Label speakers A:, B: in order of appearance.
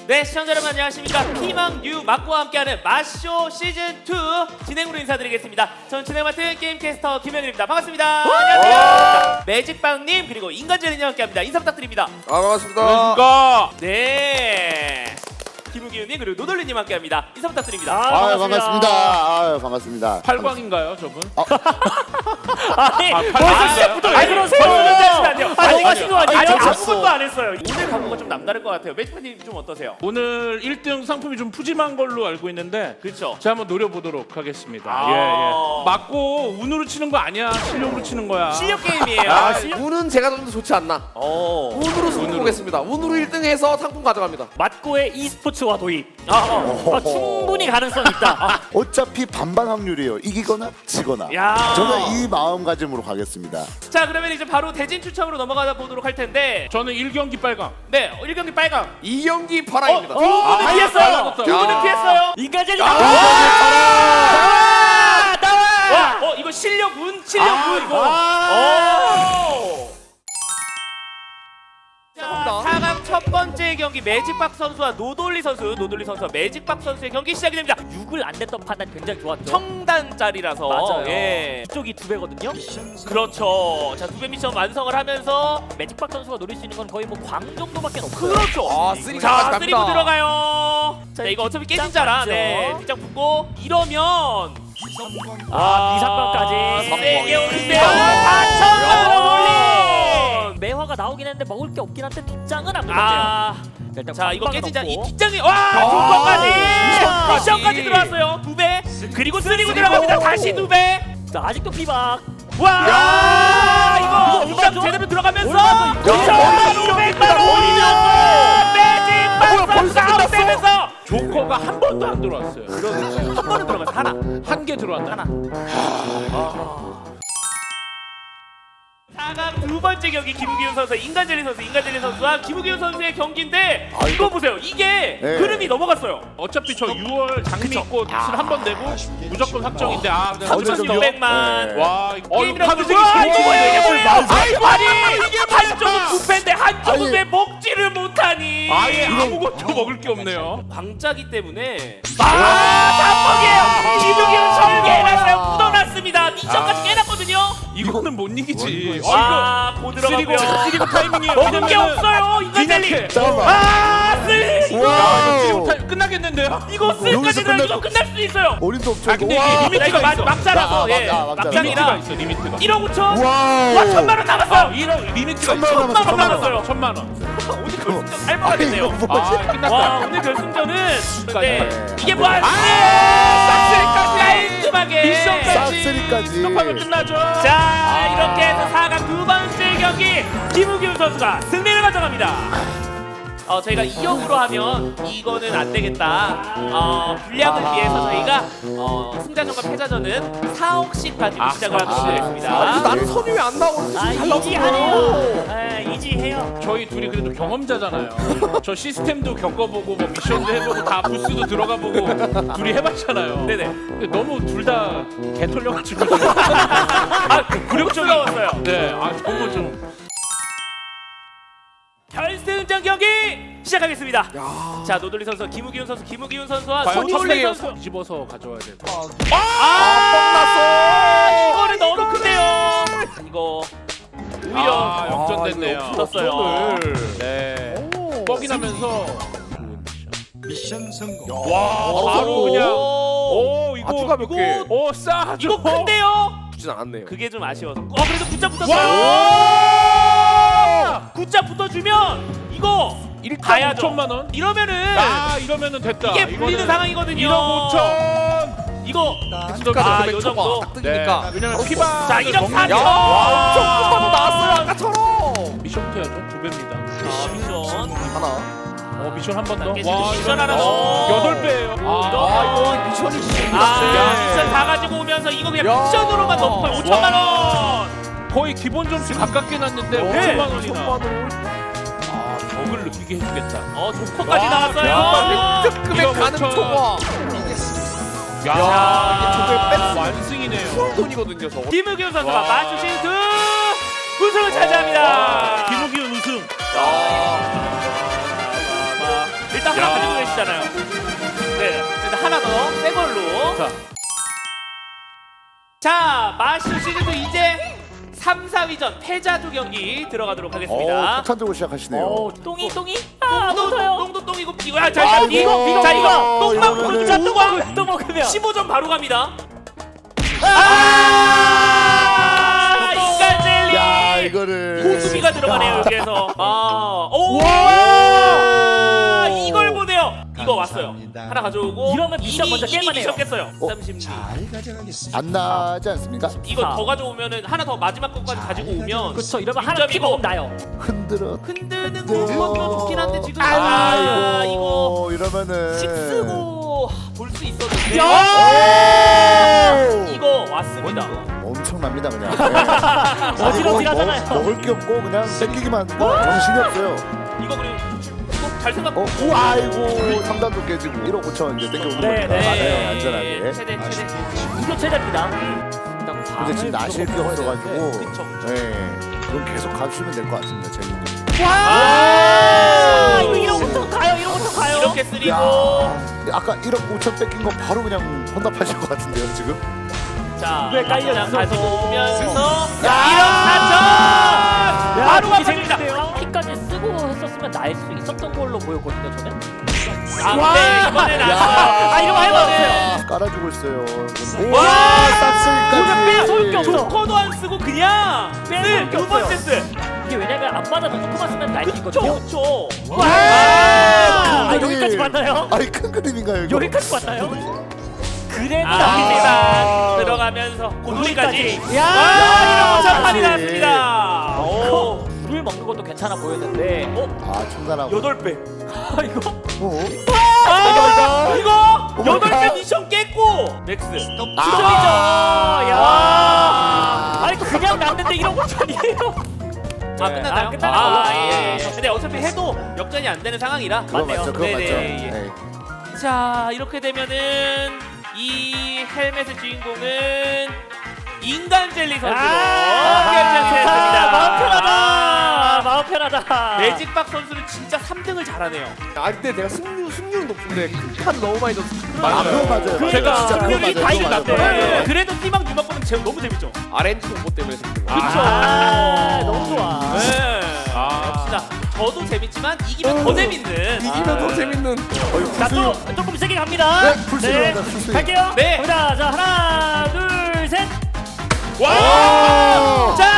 A: 네, 시청자 여러분 안녕하십니까. 희망 뉴 막고와 함께하는 마쇼 시즌2 진행으로 인사드리겠습니다. 전 진행 맡은 게임캐스터 김현일입니다. 반갑습니다. 안녕하세요. 매직빵님 그리고 인간젤리님 함께합니다. 인사 부탁드립니다.
B: 반갑습니다.
C: 안녕하십니까.
A: 네, 김우기훈님 그리고 노돌리님 함께합니다. 인사 부탁드립니다.
D: 반갑습니다. 반갑습니다.
C: 팔광인가요, 저분?
A: 아니,
C: 벌써
A: 시작부터 왜 그러세요? 너무 하신 거 아니에요? 아무것도 안 했어요. 오늘 각오가 좀 남다를 것 같아요. 매직빵님 좀 어떠세요?
C: 오늘 1등 상품이 좀 푸짐한 걸로 알고 있는데
A: 그렇죠.
C: 제가 한번 노려보도록 하겠습니다.
A: 아.
C: 맞고 운으로 치는 거 아니야. 실력으로 치는 거야.
A: 실력 게임이에요.
B: 운은 제가 좀 더 좋지 않나. 운으로 승부 보겠습니다. 운으로 1등해서 상품 가져갑니다.
E: 맞고의 e스포츠와 도입. 충분히 가능성 있다.
D: 어차피 반반 확률이에요. 이기거나 지거나.
A: 야.
D: 저는 이 마음가짐으로 가겠습니다.
A: 자, 그러면 이제 바로 대진 추첨으로 넘어가 보도록 할 텐데,
C: 저는 1경기 빨강.
A: 네, 1경기 빨강.
B: 2경기 파랑입니다.
A: 두 분은 피했어요. 두 분은
B: 야.
A: 피했어요.
E: 인간젤리
A: 나와!
E: 나와!
A: 이거 실력 운, 실력 운 이거. 자, 4강 첫 번째 경기 매직박 선수와 노돌리 선수와 매직박 선수의 경기 시작이 됩니다.
E: 6을 안 냈던 판단 굉장히 좋았죠.
A: 청단짜리라서.
E: 맞아요.
A: 예.
E: 이쪽이 2배거든요.
A: 그렇죠. 자, 2배 미션 완성을 하면서
E: 매직박 선수가 노릴 수 있는 건 거의 뭐 광 정도밖에 없어요.
A: 그렇죠.
B: 아,
A: 자,
B: 쓰리까지 갑니다.
A: 쓰리고 들어가요. 자, 이거 어차피 깨진 자라.
E: 맞죠?
A: 네, 뒷장 붙고 이러면
E: 비상방까지
A: 세게 오는데요.
B: 야.
A: 4천만 원 올린.
E: 매화가 나오긴 했는데 먹을 게 없긴 한데 뒷장은 안 먹었대요.
A: 아,
E: 일단
A: 자, 이거
E: 광방은
A: 깨진 자 이
E: 없고.
A: 뒷장이 와, 조건까지 미션까지 들어왔어요. 2배. 그리고 쓰리고 들어갑니다. 다시 2배.
E: 자, 아직도 피박.
A: 와, 이거 미션
E: 올라가죠?
A: 제대로 들어가면서
E: 올라가죠, 이거.
A: 2,500만 올리면서 매직 박선 아웃되면서
C: 조커가 한 번도 안 들어왔어요.
A: 한 번은 들어갔어. 하나.
C: 한 개 들어왔나?
A: 4강 두 번째 경기 김우기훈 선수, 인간젤리 선수와 김우기훈 선수의 경기인데 이거 보세요. 이게
D: 네.
A: 흐름이 넘어갔어요.
C: 어차피 저 6월 장미꽃을 한 번 내고 무조건 확정인데 근데
A: 3,600만.
C: 와,
A: 게임이라고
C: 카드
A: 그러고 아이고, 아니 이게 한쪽은
D: 아.
A: 부패인데 한쪽은
D: 아니.
A: 왜 먹지를 못하니?
C: 아예 아무것도 먹을 게 없네요.
A: 광자기 때문에 단먹이에요. 김우기훈 설계해놨어요. 묻어놨습니다. 미션까지 깨놨거든요.
C: 이거는 못 이기지.
A: 고 들어가고요.
C: 쓰리고 타이밍이에요.
A: 먹은 게 없어요. 인간젤리.
C: 뒤늦게.
D: 잠깐만.
A: 쓰리.
D: 와우.
C: 끝나겠는데요?
A: 이거 쓰리까지
D: 여기서
A: 들어. 이거
D: 끝나죠.
A: 끝날 수도 있어요.
D: 어림도 없죠.
C: 아, 근데
D: 와.
C: 이게
A: 자,
C: 리미트가
A: 이거
C: 있어.
A: 막자라서 예.
D: 막자.
C: 리미트가
A: 막장이라
C: 있어. 리미트가.
A: 1억 5천.
D: 와우.
A: 와, 1,000만 원 남았어요.
C: 1억 리미트가
D: 1,000만 원 남았어요.
A: 1,000만 원 남았어요.
C: 1,000만 원.
A: 오늘 결승전 살벌하겠네요.
D: 아니, 이거 뭐지?
C: 끝났다.
A: 와, 오늘 결승전은 근데 이게 뭐야?
C: 싹쓸이까지.
A: 깔끔하게
C: 미션까지.
D: 싹쓸이까지.
C: 스톱하면 끝나죠.
A: 자, 이렇게 해서 4강 두 번째 경기 김우기훈 선수가 승리를 가져갑니다. 저희가 2역으로 하면 이거는 안 되겠다. 분량을 위해서 저희가 승자전과 패자전은 4억씩 가지고 시작을 하도록 하겠습니다.
B: 나는 선이 왜 안 나오고 잘
E: 이지하네요. 이지해요.
C: 저희 둘이 그래도 경험자잖아요. 저 시스템도 겪어보고 뭐 미션도 해보고 다 부스도 들어가보고 둘이 해봤잖아요.
A: 네네.
C: 근데 너무 둘 다 개털려가지고
A: 굴욕적이었어요.
C: 네, 너무 좀
A: 결승전 경기 시작하겠습니다. 자, 노돌리 선수, 김우기훈 선수와
C: 과연
A: 손놀리
C: 첫
A: 선수.
C: 뒤집어서 가져와야 될 것 같아요.
A: 이거는 너무 큰데요. 이거 오히려
C: 역전됐네요.
A: 없었어요.
C: 역전을. 네. 뻑이 나면서
F: 미션 성공.
C: 와, 바로 그냥 이거
B: 아주 가볍게.
C: 싸죠.
A: 이거 큰데요.
B: 주진 않았네요.
A: 그게 좀 아쉬워서. 그래도 굿자 붙었어요. 굿자 붙어주면 이거
C: 일단 5천만 원.
A: 이러면은
C: 이러면은 됐다.
A: 이게 불리는 상황이거든요.
C: 1억 5천.
A: 이거
B: 금액
A: 요
B: 초과
A: 정도.
B: 딱 뜨기니까.
C: 왜냐면 피바.
A: 자, 1억 4천.
B: 조금만 더 나왔어요 아까처럼.
C: 미션부터 해야죠. 2배입니다.
A: 미션.
B: 하나.
C: 미션 한 번 더.
A: 미션 하나 더.
C: 8배예요.
B: 이거 미션이
A: 미션 다 가지고 오면서 이거 그냥
B: 야.
A: 미션으로만 넣고요. 5천만 원.
C: 거의 기본 점수 가깝게 났는데
A: 네.
C: 5천만 원이나. 덕을 느끼게 해주겠다.
A: 조커까지 나왔어요.
B: 특급에 가는 초과.
C: 야,
B: 이게 저걸 뺐어.
C: 완승이네요.
B: 돈이거든요 저거.
A: 김우기훈 선수가
C: 와.
A: 마주신 우승을 차지합니다.
C: 김우기훈 우승.
A: 일단 하나 걸로. 자, 마쇼 시즌2 이제 3, 4위전 패자조 경기 들어가도록 하겠습니다.
D: 폭탄 들고 시작하시네요.
E: 똥이 아 못해요.
A: 똥도 이거 이거 야, 자,
D: 아이고,
A: 이거 자 이거 똥만
D: 이거는-
A: 보자 똥만
E: 또 먹으면
A: 15점 바로 갑니다.
D: 야,
A: 인간젤리
D: 이거를
A: 고수비가 들어가네요 여기에서. 오 이걸 보네요. 이거 왔어요. 하나 가져오고
E: 이러면 미션 먼저 깰만 해요.
A: 미션 깼어요.
D: 어?
A: 36.
F: 잘 가져가겠습니다.
D: 안 나지 않습니까?
A: 이거 더 가져오면은 하나 더 마지막 것까지 가지고 오면
E: 그렇죠. 이러면 하나
A: 6점이고.
E: 피 먹으면 나요.
D: 흔들어.
A: 흔드는 것도 좋긴 한데 지금
D: 아이고,
A: 이거
D: 이러면은
A: 식 쓰고 볼 수 있었는데
D: 오!
A: 이거 왔습니다.
D: 엄청납니다 그냥.
E: 어지러지하잖아요.
D: 먹을 게 없고 그냥 땡기기만 하니까 정신이 없어요.
A: 이거 그리고 잘 생각.
D: 오, 아이고 3단도 깨지고 1억 5천 이제 땡겨오는
E: 네,
D: 거니까.
E: 네.
D: 네, 안전하게.
A: 최대.
E: 이거 최대입니다.
D: 근데 지금 나실 게 없어가지고
A: 그쵸.
D: 네, 그럼 계속 가주시면 될 것 같습니다. 재밌는.
E: 아 이거 이러고부터 가요.
A: 이렇게 쓰리고
D: 야, 아까 1억 5천 뺏긴 거 바로 그냥 혼납하실 것 같은데요 지금?
A: 자
E: 왜 깔려
A: 그냥
E: 있어?
A: 가지고 오면서
E: 야!
A: 1억 4천 바로
E: 되게
A: 가버립니다.
E: 재밌는데요. 피까지 쓰고 했었으면 날 수 있었던 걸로 보였거든요 저는.
A: 아 근데 이번엔 안
D: 야.
A: 써요.
E: 이러면 해봤어요.
D: 깔아주고 있어요.
A: 와!
D: 싹쓸이까지.
E: 뺏어올 게 없어.
A: 조커도 안 쓰고 그냥
E: 뺄게
A: 두 번째
E: 없어요.
A: 쓰.
E: 이게 왜냐면 안 맞아도 조금만 쓰면 날 수 있거든요.
A: 그렇죠.
E: 와!
D: 큰 그림.
E: 여기까지 맞나요?
D: 아니 큰 그림인가요 이거?
E: 여기까지 맞나요? 그래도
A: 아,
E: 납니다.
A: 들어가면서 고돌이까지.
E: 야!
A: 와, 이런 판이
D: 다시.
A: 났습니다. 오,
E: 물 먹는 것도 괜찮아 보였는데.
D: 아 청산하고.
A: 8배.
E: 이거
A: 아, 이거
D: 오 마이
A: 8배
D: 갓.
A: 미션 깼고 맥스.
E: 아, 야.
D: 아.
E: 아니 그냥 났는데 이런 거 전이에요.
A: 아, 끝났나요?
E: 아, 끝나나요?
A: 예. 근데 어차피 해도 역전이 안 되는 상황이라.
D: 그거
E: 맞네요.
D: 맞죠, 그거
A: 네네,
D: 맞죠.
A: 예.
D: 네.
A: 자, 이렇게 되면은 이 헬멧의 주인공은 인간 젤리 선수로 결정됐습니다.
E: 마음 편하다. 마음 편하다.
A: 매직박 선수는 진짜 3등을 잘하네요.
B: 아 근데 내가 승률은 높은데 큰 너무 많이 줬어.
D: 아 그거 맞아요.
E: 그러니까.
D: 진짜 그거
E: 승률이
D: 맞아요.
E: 다
D: 그거
E: 이겼는데.
D: 맞아요.
A: 네. 그래도 희망 유망보는 너무 재밌죠.
B: RNG 공보 때문에 승률.
E: 아, 너무 좋아.
A: 네. 역시나 저도 재밌지만 이기면 더 재밌는.
B: 이기면 더 재밌는.
E: 자, 또 조금 세게 갑니다.
D: 네, 풀스윙 갑니다, 풀스윙.
E: 갈게요.
A: 네.
E: 갑니다. 자, 하나, 둘, 셋.
A: 와! 자,